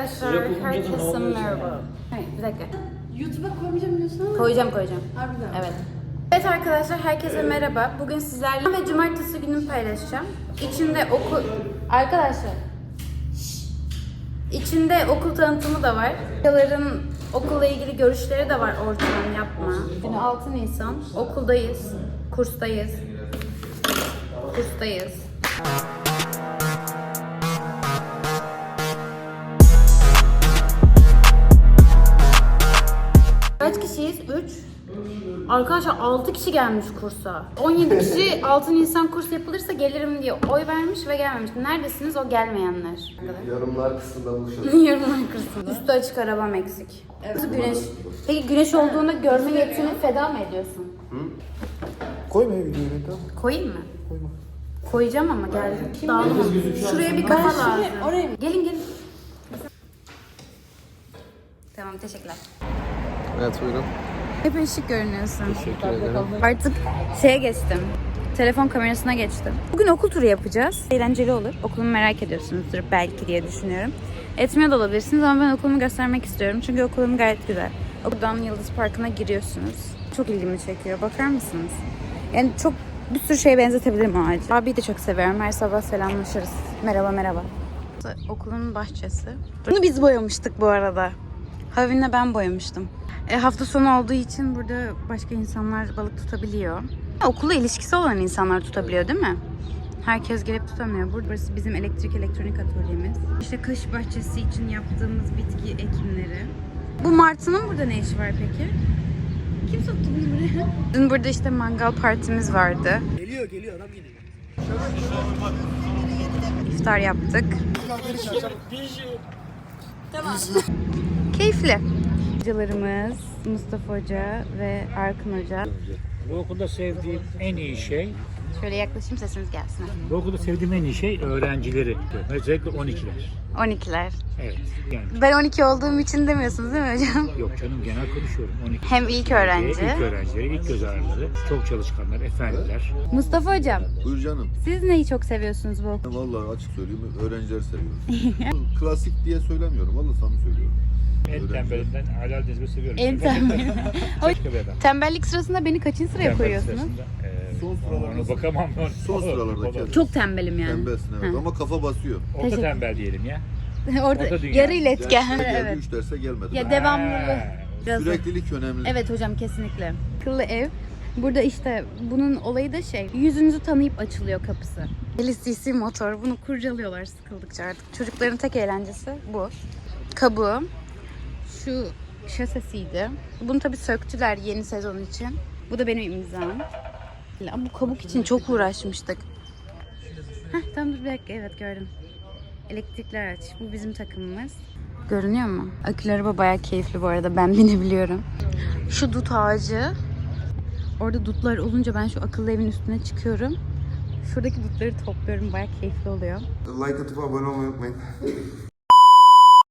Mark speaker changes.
Speaker 1: arkadaşlar, herkese merhaba. Hayır, bir dakika.
Speaker 2: YouTube'a koymayacağım diyorsun ama.
Speaker 1: Koyacağım.
Speaker 2: Harbiden.
Speaker 1: Evet. Evet arkadaşlar, herkese merhaba. Bugün sizlerle ve cumartesi günümü paylaşacağım. İçinde okul... Arkadaşlar. İçinde okul tanıtımı da var. Hocaların okulla ilgili görüşleri de var, ortadan yapma. Bugün 6 Nisan, okuldayız, kurstayız. Kaç kişiyiz? 3. Arkadaşlar 6 kişi gelmiş kursa. 17 kişi 6 Nisan kurs yapılırsa gelirim diye oy vermiş ve gelmemiş. Neredesiniz o gelmeyenler?
Speaker 3: Yorumlar kısmında buluşalım.
Speaker 1: Yorumlar kırsın. Üstü açık, arabam eksik. Nasıl güneş? Peki güneş olduğunda görme yetisini feda mı ediyorsun?
Speaker 3: Koyma videoyu tamam.
Speaker 1: Koyayım mı?
Speaker 3: Koyma.
Speaker 1: Koyacağım ama geldim. Dağılma. Şuraya bir kafa lazım.
Speaker 2: Oraya mı?
Speaker 1: Gelin. Tamam, teşekkürler.
Speaker 3: Evet buyurun.
Speaker 1: Hep ışık görünüyorsun.
Speaker 3: Teşekkür ederim.
Speaker 1: Artık şeye geçtim. Telefon kamerasına geçtim. Bugün okul turu yapacağız. Eğlenceli olur. Okulumu merak ediyorsunuzdur belki diye düşünüyorum. Etmiyor da olabilirsiniz ama ben okulumu göstermek istiyorum. Çünkü okulum gayet güzel. Okuldan Yıldız Parkı'na giriyorsunuz. Çok ilgimi çekiyor. Bakar mısınız? Yani çok bir sürü şeye benzetebilirim o ağacı. Abiyi de çok seviyorum. Her sabah selamlaşırız. Merhaba. Okulun bahçesi. Bunu biz boyamıştık bu arada. Havin'le ben boyamıştım. Hafta sonu olduğu için burada başka insanlar balık tutabiliyor. Okulla ilişkisi olan insanlar tutabiliyor değil mi? Herkes gelip tutamıyor. Burası bizim elektronik atölyemiz. İşte kış bahçesi için yaptığımız bitki ekimleri. Bu martının burada ne işi var peki? Kim soktu bunu buraya? Dün burada işte mangal partimiz vardı.
Speaker 4: Geliyor adam geliyor.
Speaker 1: İftar yaptık. Keyifli. Hocalarımız Mustafa Hoca ve Arkın Hoca.
Speaker 4: Bu okulda sevdiğim en iyi şey,
Speaker 1: Şöyle yaklaşayım, sesiniz gelsin.
Speaker 4: bu okulda sevdiğim en iyi şey öğrencileri. Özellikle 12'ler.
Speaker 1: 12'ler.
Speaker 4: Evet. Yani
Speaker 1: Ben 12 olduğum için demiyorsunuz değil mi hocam?
Speaker 4: yok canım genel konuşuyorum. 12.
Speaker 1: Hem ilk öğrenci.
Speaker 4: İlk öğrencileri, ilk göz ağrıları, çok çalışkanlar, efendiler.
Speaker 1: Mustafa hocam,
Speaker 3: Buyur canım.
Speaker 1: siz neyi çok seviyorsunuz bu okulda?
Speaker 3: Vallahi açık söyleyeyim öğrencileri seviyorum. Klasik diye söylemiyorum. Vallahi samimi söylüyorum.
Speaker 4: En tembelinden Halal Dezbe seviyorum.
Speaker 1: En tembel.
Speaker 4: Başka bir adam.
Speaker 1: Tembellik sırasında beni kaçıncı sıraya
Speaker 4: Tembel
Speaker 1: koyuyorsunuz?
Speaker 4: sırasında,
Speaker 3: Son sıralarda-
Speaker 4: ona bakamam.
Speaker 3: Son sıralardaki.
Speaker 1: Çok tembelim yani.
Speaker 3: Tembelsin evet
Speaker 1: Ha.
Speaker 3: ama kafa basıyor.
Speaker 4: Orta
Speaker 1: Teşekkür-
Speaker 4: tembel diyelim ya.
Speaker 1: Orada
Speaker 4: Orta dünya.
Speaker 1: yarı iletken.
Speaker 3: Derse geldi,
Speaker 1: Evet.
Speaker 3: 3 derse gelmedi.
Speaker 1: Ya devamlılığı.
Speaker 4: Ha,
Speaker 1: Biraz-
Speaker 3: Süreklilik önemli.
Speaker 1: Evet hocam, kesinlikle. Akıllı ev. Burada işte bunun olayı da yüzünüzü tanıyıp açılıyor kapısı. LCC motor. Bunu kurcalıyorlar sıkıldıkça artık. Çocukların tek eğlencesi bu. Kabuğu. Şu şasesiydi. Bunu tabii söktüler yeni sezon için. Bu da benim imzam. Bu kabuk için çok uğraşmıştık. Tamam dur bir dakika, evet gördüm. Elektrikli araç. Bu bizim takımımız. Görünüyor mu? Akülü araba bayağı keyifli bu arada. Ben binebiliyorum. Şu dut ağacı. Orada dutlar olunca ben şu akıllı evin üstüne çıkıyorum. Şuradaki dutları topluyorum. Bayağı keyifli oluyor.
Speaker 3: Like atıp abone olmayı unutmayın.